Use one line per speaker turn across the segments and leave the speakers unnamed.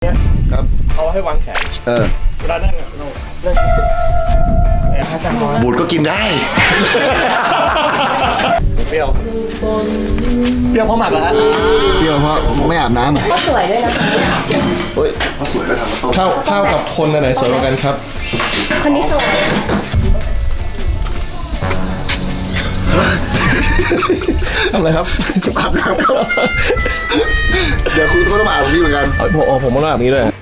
นี้ยครับเอาให้วางแขนเวลานั่งเรานั่ง
บูดก็กินได้
เปรี้ยวเพราะหมักเหรอฮะ
เปรี้ยวเพราะไม่อาบน้ำ
ก็สวยด้วยนะคะ
เฮ้ยเขาสวยแล้วทำมาต้มข้าวกับคนอันไหนสวยกว่ากันครับ
คนนี้สวย
ทำอะไรครับ
อาบน้ำครับเดี๋ยวคุณก็ต้องมาอาบนี้เหมือนกัน
ผมต้องอาบนี้ด้วย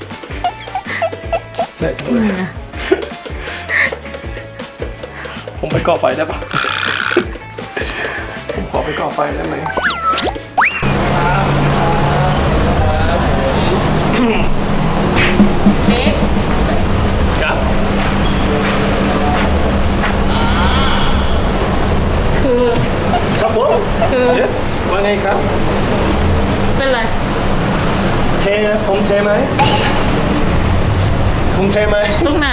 ผมไปก่อไฟได้ปะผมขอไปก่อไฟได้ไหม
เอ๊ะ
ครับครับผมyes ว่าไงครับ
เป็นไร
เทผมเทไหมผมเทไหม
ตรงไหน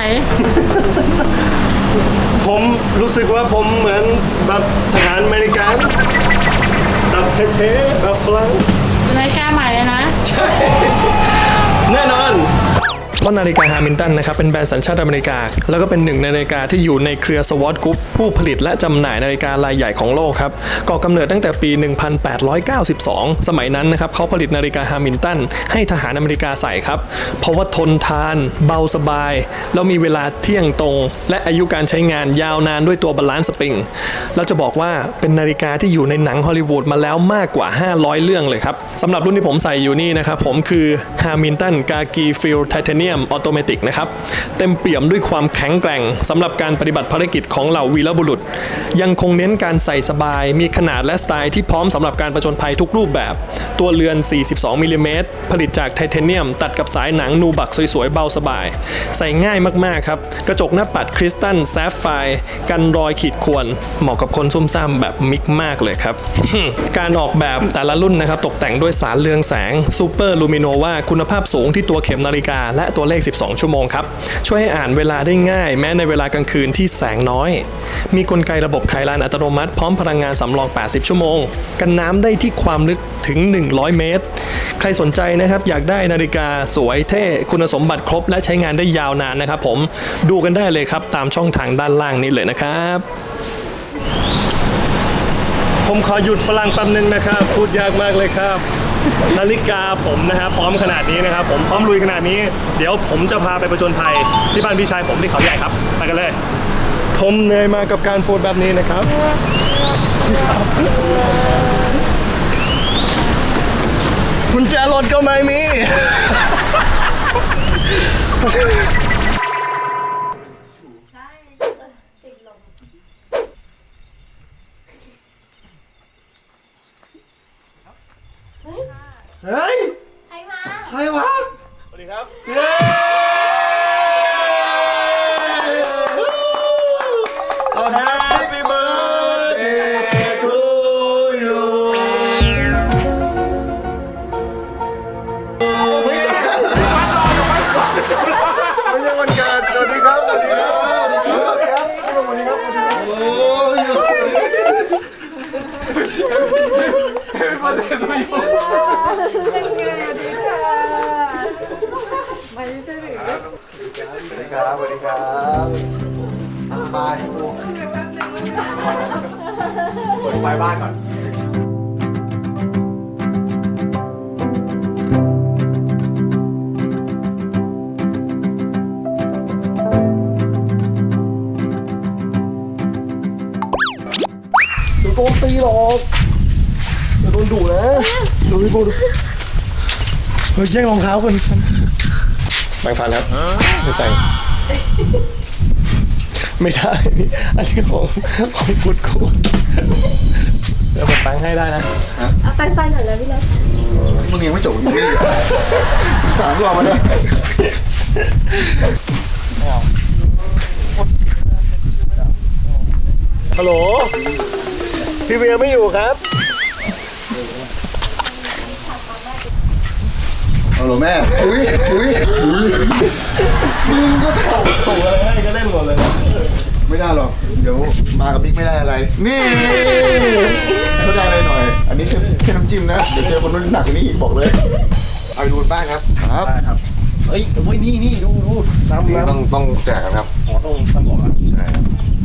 ผมรู้สึกว่าผมเหมือนแบบทหารอเมริกันแบบเท่ๆแบบฝรั่ง
นาฬิกาใหม่เลยนะ
ใช่แน่นอนว่านาฬิกาฮามิลตันนะครับเป็นแบรนด์สัญชาติอเมริกาแล้วก็เป็นหนึ่งในนาฬิกาที่อยู่ในเครือสวอตกรุ๊ปผู้ผลิตและจำหน่ายนาฬิการายใหญ่ของโลกครับก่อกำเนิดตั้งแต่ปี 1892 สมัยนั้นนะครับเขาผลิตนาฬิกาฮามิลตันให้ทหารอเมริกาใส่ครับเพราะว่าทนทานเบาสบายแล้วมีเวลาเที่ยงตรงและอายุการใช้งานยาวนานด้วยตัวบาลานซ์สปริงเราจะบอกว่าเป็นนาฬิกาที่อยู่ในหนังฮอลลีวูดมาแล้วมากกว่า500เรื่องเลยครับสำหรับรุ่นที่ผมใส่อยู่นี่นะครับผมคือฮามิลตันกากีฟิลไทเทเนียมออโตเมติกนะครับเต็มเปี่ยมด้วยความแข็งแกร่งสำหรับการปฏิบัติภารกิจของเหล่าวีรบุรุษยังคงเน้นการใส่สบายมีขนาดและสไตล์ที่พร้อมสำหรับการผจญภัยทุกรูปแบบตัวเรือน42มิลลิเมตรผลิตจากไทเทเนียมตัดกับสายหนังนูบักสวยๆเบาสบายใส่ง่ายมากๆครับกระจกหน้าปัดคริสตัลแซฟไฟร์กันรอยขีดข่วนเหมาะกับคนซุ่มซ่ามแบบมิกมากเลยครับ การออกแบบแต่ละรุ่นนะครับตกแต่งด้วยสารเรืองแสงซูเปอร์ลูมิโนวาคุณภาพสูงที่ตัวเข็มนาฬิกาและตัวเลข12 ชั่วโมงครับช่วยให้อ่านเวลาได้ง่ายแม้ในเวลากลางคืนที่แสงน้อยมีกลไกระบบไขลานอัตโนมัติพร้อมพลังงานสำรอง80 ชั่วโมงกันน้ำได้ที่ความลึกถึง100 เมตรใครสนใจนะครับอยากได้นาฬิกาสวยเท่คุณสมบัติครบและใช้งานได้ยาวนานนะครับผมดูกันได้เลยครับตามช่องทางด้านล่างนี้เลยนะครับผมขอหยุดฝรั่งแป๊บนึงนะครับพูดยากมากเลยครับนาฬิกาผมนะครับพร้อมขนาดนี้นะครับผมพร้อมลุยขนาดนี้เดี๋ยวผมจะพาไปผจญภัยที่บ้านพี่ชายผมที่เขาใหญ่ครับไปกันเลยผมเหนื่อยมากับการโพสแบบนี้นะครับกุญแจรถก็ไม่มี
เฮ้ยใครวะ
สวัสดีครับ
Happy birthday to you ไม่ใช่วันเกิดสวัสดีครับสวัสดีครับสวัสดีครับสวัสดีครับโอ้ย
เป็นประเด็นตัวอยู่
ไม่ใช่หรือ
สวัสดีครับสวัสดีครับบายเปิดไฟบ้านก่อนโดนตีหรอกโดนดุนะดูพี่ปูดู
แย่งรองเท้าคนแบ่งฟันครับไม่แต่งไม่ได้อันนี้ของฟุตคูเดี๋ยวผมแปลงให้ได้นะ
เอาแปลงไฟหน่อยนะพี่เล็ก
มึงยังไม่จบมึงนี่3 รอบมาเนี่ย
ฮัลโหลพี่เวียไม่อยู่ครับ
ฮัลโหลแม่อุ้ยมึงก็
ส่งอะไรให้ก็เล่นหมดเลย
ไม่ได้หรอกเดี๋ยวมากับบิ๊กไม่ได้อะไรนี่เขาได้อะไรหน่อยอันนี้แค่น้ำจิ้มนะเดี๋ยวเจอคนนู้นหนักกว่านี้อีกบอกเลยเอาไปดูบ้านครับ
ได้ครับอ้ยนี่ดูน้ำ
นี่ต้องแจกกันครับ
อ๋อต้องบอกอ่ะ
ใช่ครับ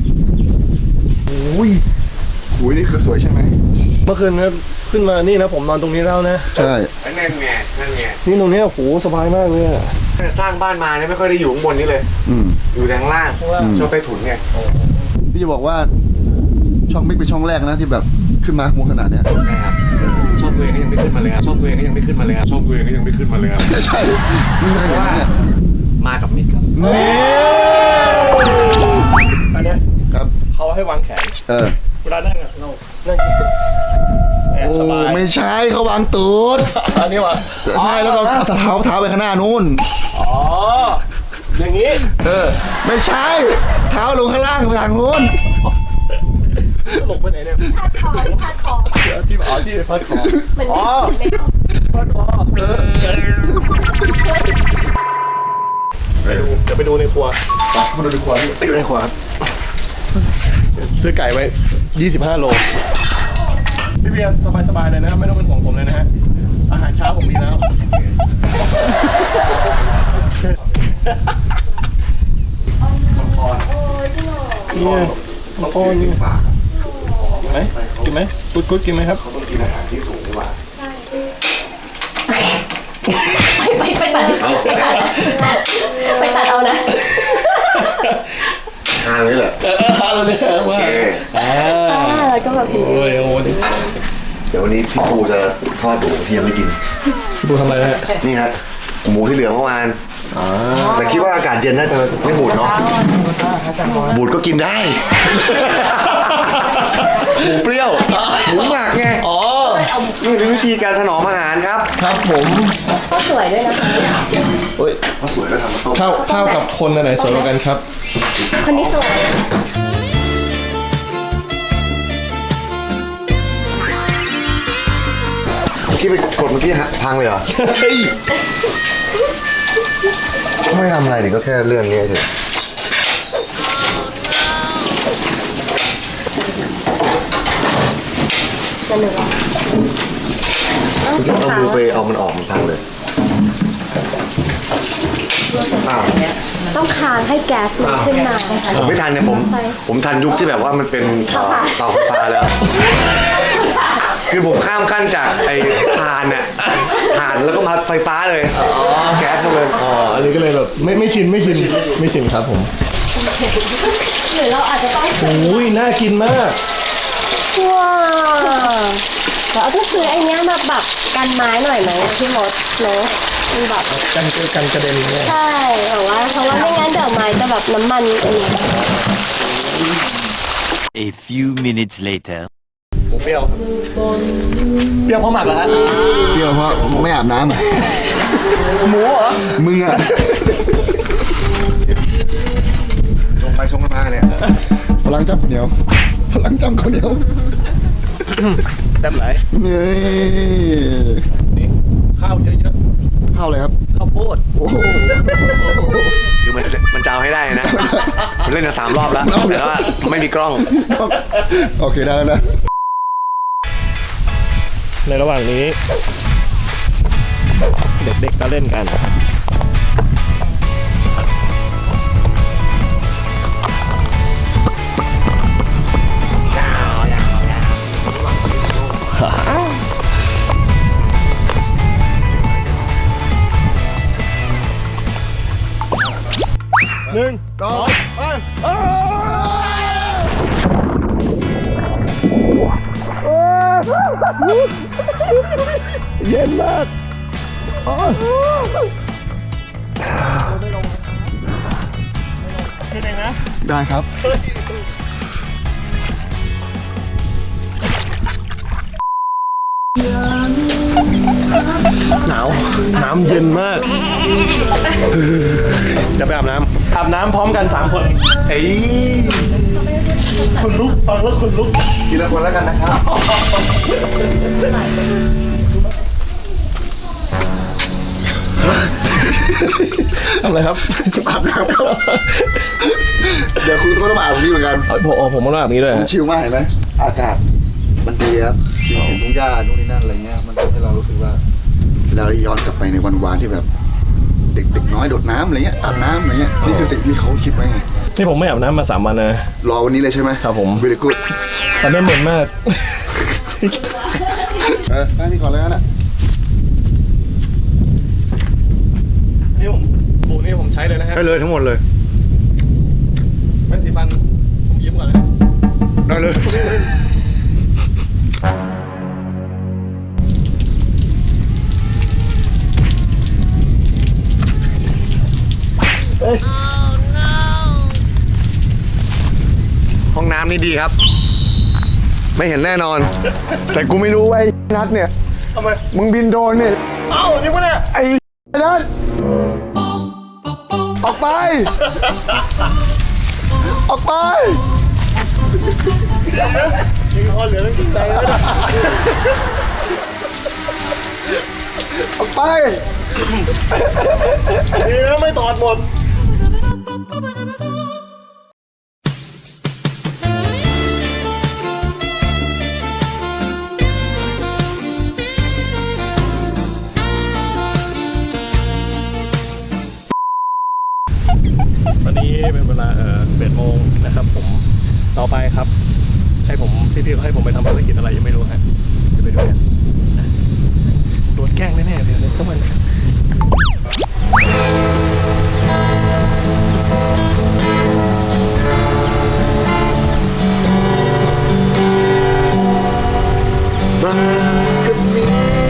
อุ้ยนี่คือสวยใช่ไหม
เมื่อคืนนะขึ้นมานี่นะผมนอนตรงนี้แล้วนะ
ใช่
นั่นไง
นี่ตรงเนี้ยโหสบายมากเลยอะ
สร้างบ้านมาเนี่ยไม่ค่อยได้อยู่ข้างบนนี้เลย อยู่แต่ข้างล่าง ชอบใต้ถุนไง
พี่จะบอกว่าช่องมิกเป็นช่องแรกนะที่แบบขึ้นมาข้างบนขนาดเนี้ย
ใช่ครับชอบตัวเองก็ยังไม่ขึ้นมาเลยครับชอบตัวเองก็ยังไม่ขึ้นมาเลยครับชอบตัวเองก็ยังไม่ขึ้นมาเลยครับ
ใช่ไม่มีใครเห็นนะเนี่ย
มากับมิกครับ
นี่
อันเนี้ย
ครับ
เขาให้วางแขน เวลานั่งอะเรานั่งแอบ
โอ้
สบาย
ไม่ใช่เขาวางตูด
อันนี้วะ
ใช่แล้วก็เท้าไปข้างหน้านู้น
อ๋ออย่างนี้
ไม่ใช่เท้าลงข้างล่างไปทางนู้น
หลบไปไหนเนี่ย
พาดคอพาดคอ
ที่พัดคอ
เหมือน
อ๋อ
แมว
พัดคอเดี๋ยวไปดูในครัว
มาดูดีกว่าพี่
ไปดูในครัวครับซื้อไก่ไว้25 โลพี่เบียร์สบายๆเลยนะครับไม่ต้องเป็นห่วงผมเลยนะฮะอาหารเช้าผมมีแล้วเนี่ยโอ้นี่
ฝาก
กินไหมกุดกินไหมครับ
เขาต้องกินอาหารที่สูงดีกว่า
ไปตัดไปตัดเอานะ
ทานเลยเหรอ
เราเนี่ยว่า
แล้วก็แบบนี้
โอ้ยนี่
เดี๋ยววันนี้พี่ปูจะทอดหมูที่ยังไม่กิน
ดูทำอะไรฮะ
นี่ฮะหมูที่เหลือเมื่อวานแต่คิดว่าอากาศเย็นน่าจะไม่บูดเนาะบูดก็กินได้ หมูเปรี้ยว หมูหมักไง
อ๋อ
นี่เป็นวิธีการถนอมอาหารครับ
ครับผม
ก็สวยด้วยนะคะ
โอ้ย
เพราะสวยแล้วทำมาต้ม
ข้าวกับคนอันไหนสวยกว่ากันครับ
คนนี้สวย
ที่ไปกดเมื่อกี้พังเลยเหรอ
เฮ้ย
ไม่ทำอะไรนี่ก็แค่เลื่อนนี้เฉยเอามือไปเอามันออกมันพังเลยอ้าว
ต้องคานให้แก๊สมันขึ้นมาค่ะ
ผมไม่ทันเนี่ยผมทันยุคที่แบบว่ามันเป็นเตาไฟฟ้าแล้ว คือผมข้ามขั้นจากไอ้ถ่านน่ะถ่านแล้วก็มาไฟฟ้าเลยแก๊สมาเลย
อ๋อ อันนี้ก็เลยแบบไม่ชินครับผม
หรือเราอาจจะต้อง
อุ้ยน่ากินมาก
ว้าวเราต้องซื้อไอ้เนี้ยมาแบบกันไม้หน่อยไหมพี่มดเนาะมันแบบ
กันกระเด็นเนี่ย
ใช่แต่ว่าเพราะว่าไม่งั้นเดี๋ยวไม้จะแบบน้ำมันอันนี้
A few minutes later.
หมูเปรี้ยวเปรี้ยวเพราะหมักเหรอฮะ
เที่ยวเพราะไม่อาบน้ำอ่ะ
หมูเหรอ
มึงอ่ะชงไปชงกันมาเนี่ยพลังจับข้าวเหนียวพลังจับข้าวเหนียว
แซ่บไหล
นี่
นี่ข้าวเยอะ
ข้าวอะไรครับ
ๆข้าวโพด
โอ้โห
คือมันจะเอาให้ได้นะ มันเล่นมา3 รอบแล้วแต่ว่าไม่มีกล้อง
โอเคได้แล้วนะ
ในระหว่างนี้ เด็กๆก็เล่นกันหนึ่ง
ต่อไป
เย็นมากนี่เองนะ
ได้ครับ
หนาว น้ำเย็นมาก เดี๋ยวไปอาบน้ำอาบน้ำพร้อมกัน 3 คน
เอ้ย
คนลุกฟังแล้วคนลุก
ทีละคนแล้วกันนะครับ
ทำอะไรครับ
อาบน้ำครับเดี๋ยวคุณก็ต้องมาอาบนี้เหมือนกัน
ผมต้องอาบนี้ด้วย
มันชิลมากเห็นไหมอากาศมันดีครับเห็นทุ่งหญ้านู่นนี่นั่นอะไรเงี้ยมันทำให้เรารู้สึกว่าเวลาเราย้อนกลับไปในวันวานที่แบบ
เด็กน้อยโดดน้ำอะไรเงี้ยอาบน้ำอะไรเงี้ยนี่คือสิ่งที่เขาคิดไว้ไง
นี่ผมไม่อาบน้ำมา3 วันนะ
รอวันนี้เลยใช่ไหม
ครับผม
very good
แต่ไม่เหม็นมาก
ได้นี่ก่อนเลยนะ
นี่ผมบูนี่ผมใช้เลยนะฮะ
ได้เลยทั้งหมดเลย
แป้งสีฟันผมยิ้มก่อนนะ
ได้เลย ห้องน้ำนี่ดีครับ ไม่เห็นแน่นอน แต่กูไม่รู้ว่าไอ้นัดเนี่ยทำไมมึงบินโดรนเนี่ยเอ้าจริงปะเนี่ยไอ้นัดออกไป ออกไปออกไปดีนะไม่ตอดหมด
ตอนนี้เป็นเวลา11 โมงนะครับผมต่อไปครับ ให้ผมพี่ๆเขาให้ผมไปทำภารกิจอะไรยังไม่รู้ฮะเดี๋ยวไปดูกันโดนแกล้งแน่ๆเดี๋ยวเข้ามา
มากับมี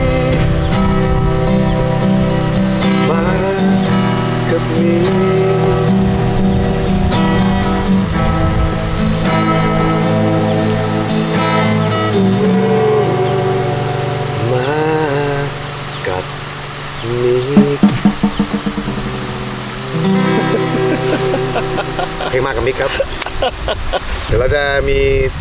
มากับมีมากับมีเพลงมากับมิกครับ เดี๋ยวเราจะมี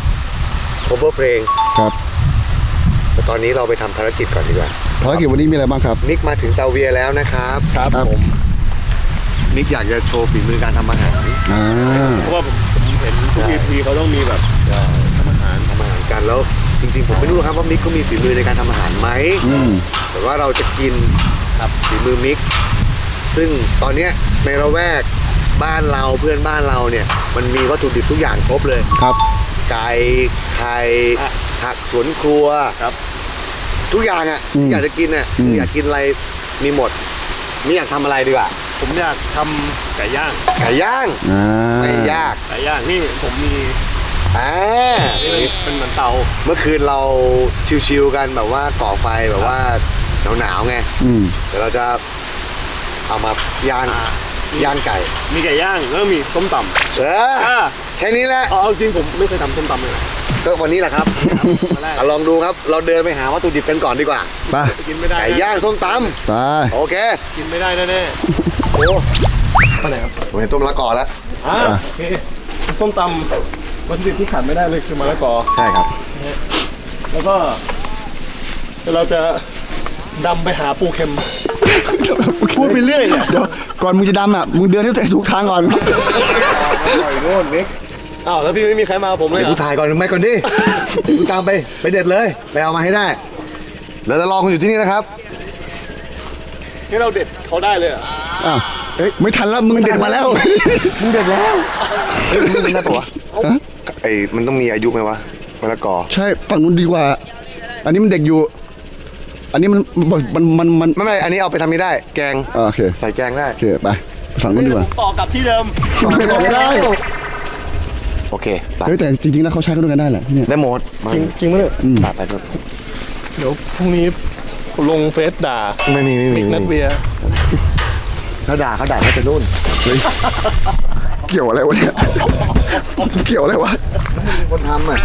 cover เพลง
ครับ
แต่ตอนนี้เราไปทำภารกิจก่อนดีกว่า
ภารกิจวันนี้มีอะไรบ้างครับ
มิกมาถึงเตาเวียแล้วนะครับ
ครับผม
มิกอยากจะโชว์ฝีมือการทำอาหาร
เพราะว่าผมเห็นทุก EP เขาต้องมีแบบทำอาหาร
กันแล้วจริงๆ ผมไม่รู้ครับว่ามิกเขามีฝีมือในการทำอาหารไหม แต่ว่าเราจะกินครับฝีมือมิก ซึ่งตอนเนี้ยในละแวกบ้านเราเพื่อนบ้านเราเนี่ยมันมีวัตถุดิบทุกอย่างครบเลย
ครับ
ไก่ไข่ผักสวนครัว
ครับ
ทุกอย่างอ่ะอยากจะกินอ่ะอยากกินอะไรมีหมดมิกอยากทำอะไรดีกว่า
ผมอยากทำไก่ย่าง
ไก่ย่างไม่ยาก
ไก่ย่างนี่ผมมี
นี่
เป็นเหมือนเตา
เมื่อคืนเราชิวๆกันแบบว่าก่อไฟแบบว่าหนาวๆไงเดี๋ยวเราจะเอามาย่างย่างไก่
มีไก่ย่างแล้วมีส้มตำ
แค่นี้แหละ
เอาจริงผมไม่เคยทำส้มตำเลยนะ
ก็วันนี้แหละครับ
มาแรก
ลองดูครับเราเดินไปหาวัตถุดิบกันก่อนดีกว่า
ไป
กินไม่ได้
ไก่ย่างส้มต
ไป
ำโอเค
กินไม่ได้แน่
โอ้
ๆไปไหนครับ
ผมเห็นต้มมะละกอแล้ว
โอเคส้มตำวัตถุดิบที่ขาดไม่ได้เลยคือมะละกอ
ใช่ครับ
แล้วก็เดี๋ยวเราจะดำไปหาปูเค็ม
พูดไปเรื่อยเนี่ยเดี๋ยวก่อนมึงจะดำอ่ะมึงเดินให้ถูกทางก่อน
ปล่อยโน่นมิก
อ้าวแล้วพี่ไม่มีใครมาผมเลย
เดี๋ยว
เหร
กู
อ
ถ่ายก่อนไม่ก่อนดิเดี๋ยวกูตามไปเด็ดเลยไปเอามาให้ได้แล้วจะรอคุณอยู่ที่นี่นะครับ
นี่เราเด็ดเขาได้เลยเหรอ
อ้าวไม่ทันแล้วมึงเด็ดมาแล้ว
มึงเด็ดแล้วเฮ้ยมึงได้ปะวะไอ้มันต้องมีอายุไหมวะมะละกอ
ใช่ฝั่งนู้นดีกว่า อันนี้มันเด็กอยู่ อันนี้มัน
ไม่อันนี้เอาไปทำนี้ได้ แกง
โอเค
ใส่แกงได้
โอเคไปฝั่งนู้นดีกว่า
ต่อกลับที่เดิม
ไม่ได้
โอเคไป
เฮ้ยแต่จริงๆแล้วเขาใช้กันด้วยกันได้แหละที่เนี่ย
ได้หมด
จริงไหมเนี่ย
ไปด้วย
เดี๋ยวพรุ่งนี้ลงเฟซด่า
ไม่มี
นัดเบียร์
เขาด่าเขาจะนู่น
เกี่ยวอะไรวะเนี่ยเกี่ยวอะไรวะ
คนทำอ่ะ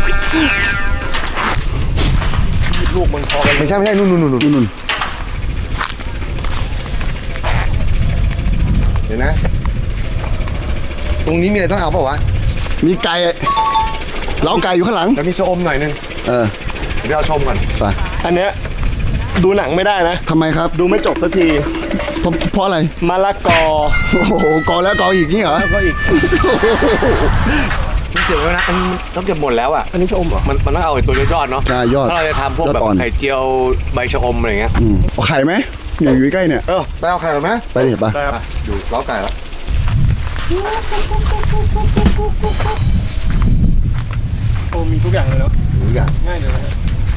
ลูกมันพอกัน
ไม่ใช่นู่น
นู่น
เดี๋ยวนะ ตรงนี้มีอะไรต้องเอาเปล่าวะ
มีไก่เล้าไก่อยู่ข้างหลัง
แล้วมีชะอมหน่อยนึง
เออ
เดี๋ยวเอาชมก่อน
ไป
อันเนี้ยดูหนังไม่ได้นะ
ทำไมครับ
ดูไม่จบสักที
เพราะอะไร
มะละกอ
โอ้โหกอแล้วกออีกนี่เหรอ
แล้วก็อีก
เก็บไว้นะมันต้องเก็บหมดแล้วอ่ะ
อันนี้ชะอมเหรอ
มันต้องเอาไอ้ตัวยอดๆเนาะ
ใช่ยอด
ถ้าเราจะทำพวก
ยอด
แบบ
อ่อน
ไข่เจียวใบชะอมอะไรเงี้ย
เอาไข่ไหมอยู่ใกล้เนี่ย
ไปเอาไข่ก่อนไหม
ไปดิไป
ได้ครับ
ดูล้อไก่แล้ว
โอ้มีทุกอย่างเลยเนาะ
ดูอย่าง
ง่ายเลยนะฮะ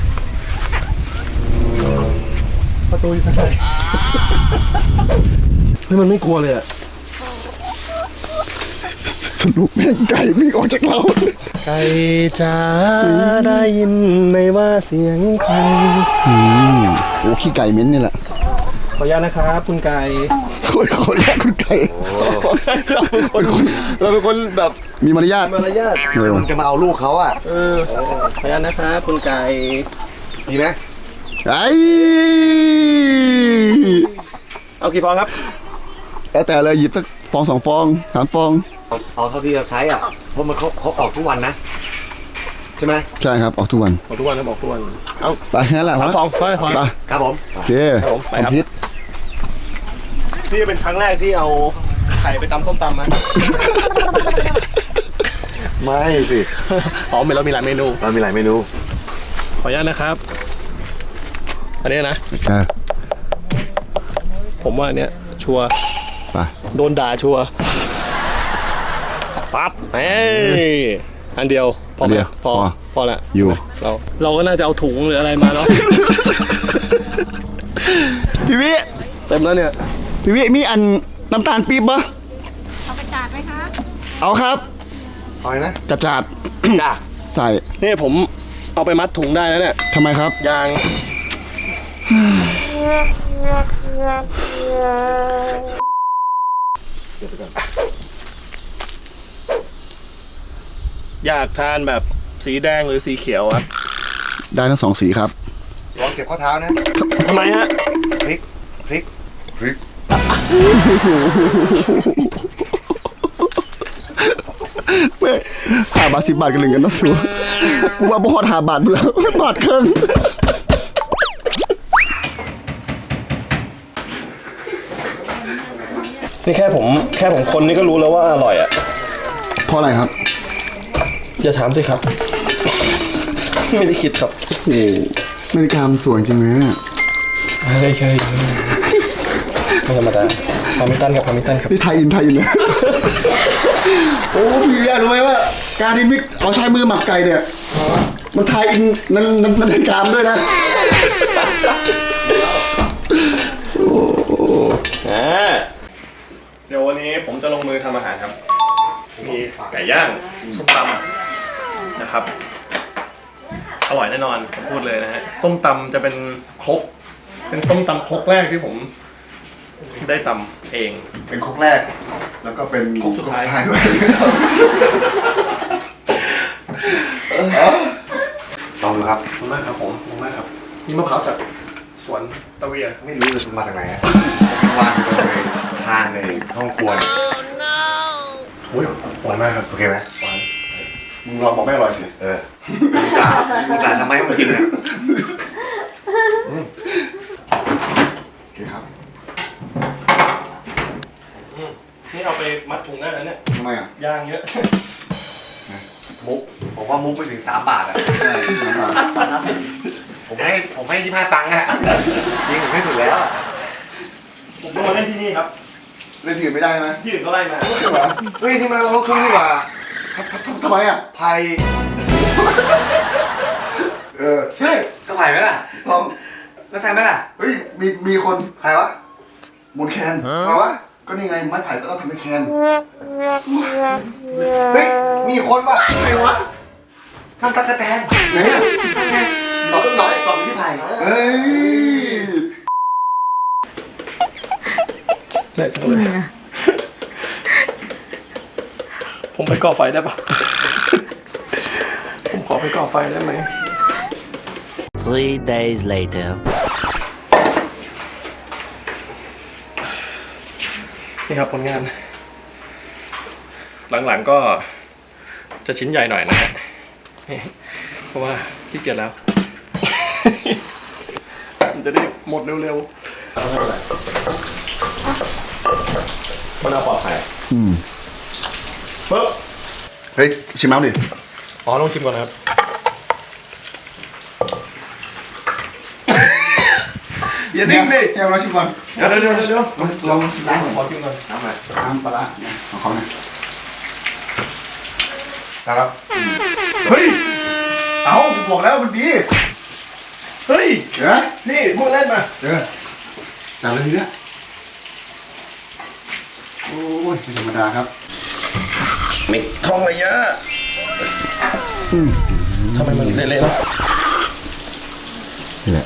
ประตูอยู่ข้างในเฮ้ยมันไม่กลัวเลยอะ
สนุกแม่งไก่วิ่งออกจากเรา
ไก่จ๋าได้ยินไหมว่าเสียงใคร
โอ้ขี้ไก่เหม็นนี่แหละ
ขออนุญาตนะครับคุณไก่
ขออนุญาตคุณไก่
เราเป็นคนแบบ
มีมารยาท
มารยาท
มันจะมาเอาลูกเขาอ่ะ
ขออนุญาตนะครับคุณไก่
ดีไหม
ไอ้
เอากี่ฟองครับ
แล้วแต่เลยหยิบสักฟอง2 ฟอง3 ฟอง
เอาเท่าที่เราใช้อ่ะเพราะมันเขาออกทุกวันนะใช่ไหม
ใช่ครับออกทุกวัน
บอกทุกวันนะบอกทุกวันเอา
ไปงั้นแหละ
3 ฟองพอ
ไป
ครับผม
โอเค
ครับผมไปครับ
พิษ
นี่เป็นครั้งแรกที่เอาไข่ไปตำส้มตำนะ
ไม่สิ
อ๋อเรามีหลายเมนู
เรามีหลายเมนู
ขออนุญาตนะครับ อันนี้นะ ผมว่าอันเนี้ยชัวร์
ไป
โดนด่าชัวร์ปั๊บเอ้ยอันเดียวพอไหมพอละ
อยู่
เราก็น่าจะเอาถุงหรืออะไรมาเนาะ
พี่วิ
เต็มแล้วเนี่ย
พี่วิมีอันน้ำตาลปี๊บปะ
เอาไปจาดไหมคะ
เอาครับ
เอาเลยนะ
กระจาด
จ้า
ใส่
นี่ผมเอาไปมัดถุงได้แล้วเนี่ย
ทำไมครับ
ยาง อยากทานแบบสีแดงหรือสีเขียวครับ
ได้ทั้ง2 สีครับ
ลองเจ็บข้อเท้านะ
ทำไมฮะ
พลิกพลิกพลิก
เว้ย5 บาท 10 บาทกันหนึ่งกันนะสัวกูว่าบ่ฮอด5 บาทเบื่อ บาทครึ่ง
นี่แค่ผมคนนี่ก็รู้แล้วว่าอร่อยอ่ะ
เพราะอะไรครับ
อย่าถามสิครับ ไม่ได้คิดครับ
โอ้นาฬิกามันสวยจริงเลยเนี่ย
ไม่เคยไม่ธรรมดาพามิตันครับ
นี่ไทยอินเลย โอ้พี่อยากรู้ไหมว่า การที่มิกเอาใช้มือหมักไก่เนี่ยมันไทยอินนั่นนาฬิกาด้วยนะ
เดี๋ยววันนี้ผมจะลงมือทำอาหารครับ มีไก่ย่างส้มตำนะครับ อร่อยแน่นอนผมพูดเลยนะฮะ ส้มตำจะเป็นครกเป็นส้มตำครกแรกที่ผมได้ตำเอง
เป็นครกแรก แล้วก็เป็น
ครกสุดท้าย
ด้วย
ลองดูครับ
ขอบคุณมากครับผมขอบคุณมากครับนี่มะพร้าวจากสวนตะเวีย
ไม่รู้เลยมาจากไหนอะวางอยู่ในชานในห้องครัวเนี่ย
อุ้ยหวานมากครับ
โอเคไหม
หวาน
มึงลองบอกไม่อร่อยสิ
อุตส่าห์ทำไมให้มันกินเนี่ย
โอเคครับ
นี่เอาไปมัดถุงได้แล้วเนี่ย
ทำไมอ่ะ
ย่างเยอะ
มุกผมว่ามุกไปถึง3 บาทอะ
ใช่ครับ
ผมให้25 ตังค์อะยิงผมให้สุดแล้วอะ
ผมต้องมาเล่นที่นี่ครับ
เล่นที่อื่นไม่ได้ไหม
ที่อื่นก็ไล่มา
ใช่ไหม
เฮ้ยนี่มันรถเครื่องนี่หว่า
ทำไมอ่ะ
ไผ่
ใช่
ก็ไผ่ไหมล่ะ
ลอง
ก็ใช่ไหมล่ะ
เฮ้ยมีคน
ใครวะ
หมุนแคน
ใครวะ
ก็นี่ไงไม้ไผ่ก็ทำเป็นแคน
เฮ้ยมีคนวะใครวะนั่นตะกะแตน
ไหนอ่ะ
เราต้องหน่อยก่อนไปที่ไผ่
เฮ้ย
ได้จังเลยผมไปก่อไฟได้ปะ ผมขอไปก่อไฟได้ไหม
3 days later.
นี่ครับผลงาน หลังๆก็จะชิ้นใหญ่หน่อยนะฮะนี่เพราะว่าขี้เกียจแล้ว มันจะได้หมดเร็วๆมันเอาปลอดภัยปึ๊บ
เฮ้ยชิมน้ำดิ
อ๋อลองชิมก่อนนะครับ
อย่านิ่งดิ
แกเราชิมก่อน
เดี๋ยว
ลองชิมล้างก่อน
ขอชิมก่อนน้ำอะไร
น้ำปลาร้าเนี่ยของเขานะ
ครับเฮ้ยเอาผมบอกแล้วมันดีเฮ้ย
เดี๋ยว
นี่พูดเล่นมา
จับเลยทีเนี้ยโอ้ยไม่ธรรมดาครับมิกทองระยะ
ทำไมมันเละๆแล้ว
นี่แหละ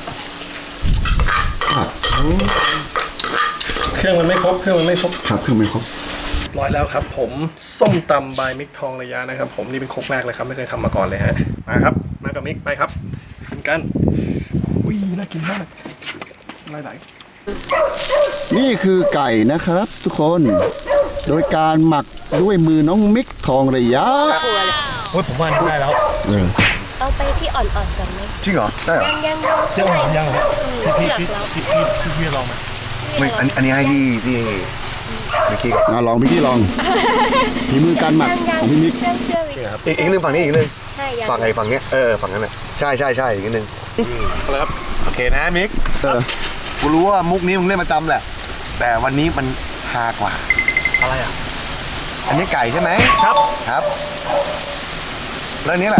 เครื่องมันไม่ครบ
ครับเครื่องไม่ครบ
ร้อยแล้วครับ ผมส้มตำบายมิกทองระยะนะครับ ผมนี่เป็นครกแรกเลยครับไม่เคยทำมาก่อนเลยฮะมาครับมากับมิกไปครับไปกินกันอุ้ยน่ากินมากไหล
นี่คือไก่นะครับทุกคน โดยการหมักด้วยมือน้องมิกทองระยะ
ๆโอ้ยผมว่านี่ได้แล้ว
เอาไปที่อ่อนๆก่อนไหม
จริงเหรอได้เหรอ
ยัง
ยังเหรอ
พี่หลักเรา
พี่ลองไหม
ไม่อันนี้ให้พี่เมื่อกี้ก่อน
ลองพี่ที่ลองฝีมือการหมักของพี่มิก
เชื่อวิ
อีกนึงฝั่งนี้อีกนึง
ใช่ยัง
ฝั่งไอ้ฝั่งเนี้ยฝั่งนั้นน่ะใช่อีกนิดนึง
อะไรครับ
โอเคนะมิกกูรู้ว่ามุกนี้มึงเล่นประจำแหละ แต่วันนี้มันฮากว่า
อะไรอ่ะ
อันนี้ไก่ใช่ไหม
ครับ
ครับแล้วอันนี้แหละ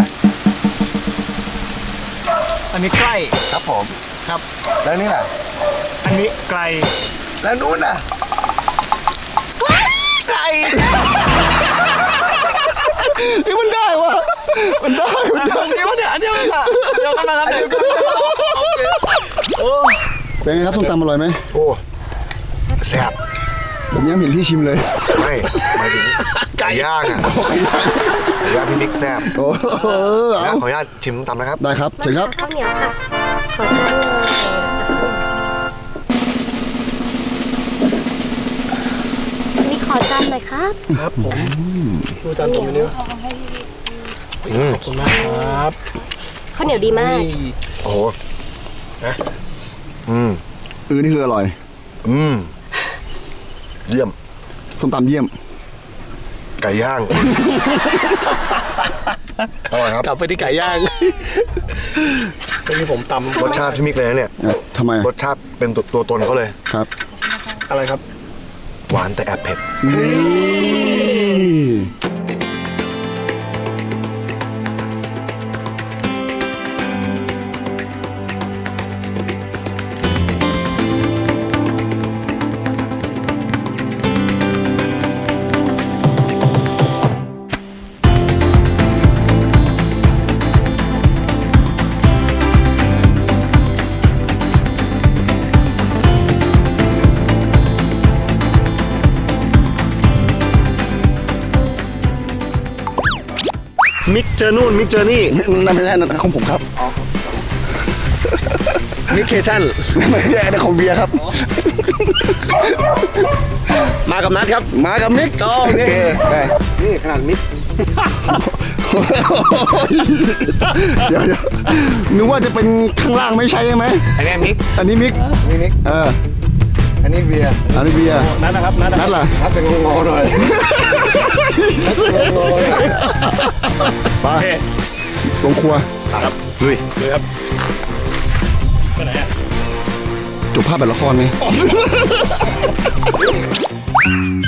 อันนี้ใกล้
ครับผม
ครับ
แล้วอันนี้แหละ
อันนี้ไกล
แล้วนู้นน่ะไก่
นี่มันได้วะมันได้
อันเดียวกันครับเดียวกันนะครับ
เป็นไงครับส้มตำอร่อยไหม
โอ้แซ่บ
ผมยังไม่เห็นพี่ชิมเลย
ไม่หมายถึงไก่ย่างอ่ะไก่ย่างพี่มิกแซ่บ
โอ้โห
แล้
เอา
วขออนุญาตชิมตำนะครับ
ได้ครับเชิญครับ
ข้าวเหนียวค่ะ ขอจานเลยมีขอจานหน่อยครับ
ครับผมดูจานผมไปเนื้อขอบคุณมากครับ
ข้าวเหนียวดีมาก
โอ้โหอืม
นี่คืออร่อย
เยี่ยม
ส้มตำเยี่ยม
ไก่ย่าง อร่อยครับ
กลับไปที่ไก่ย่างที่ผมตำ
รสชาติพี่มิกเลยนะเนี่ย
ทำไม
รสชาติเป็นตัวตนเขาเลย
ครับ
อะไรครับ
หวานแต่แอบเผ็ด
นี่
มิกเจอนู่นมิกเจอนี่
นั่นไม่ใช่นั่นของผมครับ
มิกเคชั่น
ไม่ใช่นั่นของเบียร์ครับ
มากับนัดครับ
มากับมิกโอเคได้
นี่ขนาดมิก
เดี๋ยวนึกว่าจะเป็นข้างล่างไม่ใช่ไหม
อันนี้มิก
อันนี้มิก
นี่มิก อันนี้เบียร์
อันนี้เบียร์
นัดนะครับนัด
นัดล่ะ
ถ้าเป็นงอๆหน่อย
ไป
โอเค
ลงครัว
ครับลุย
เลยครับไปไหนอ่ะ
จบภาพแบบละครไหม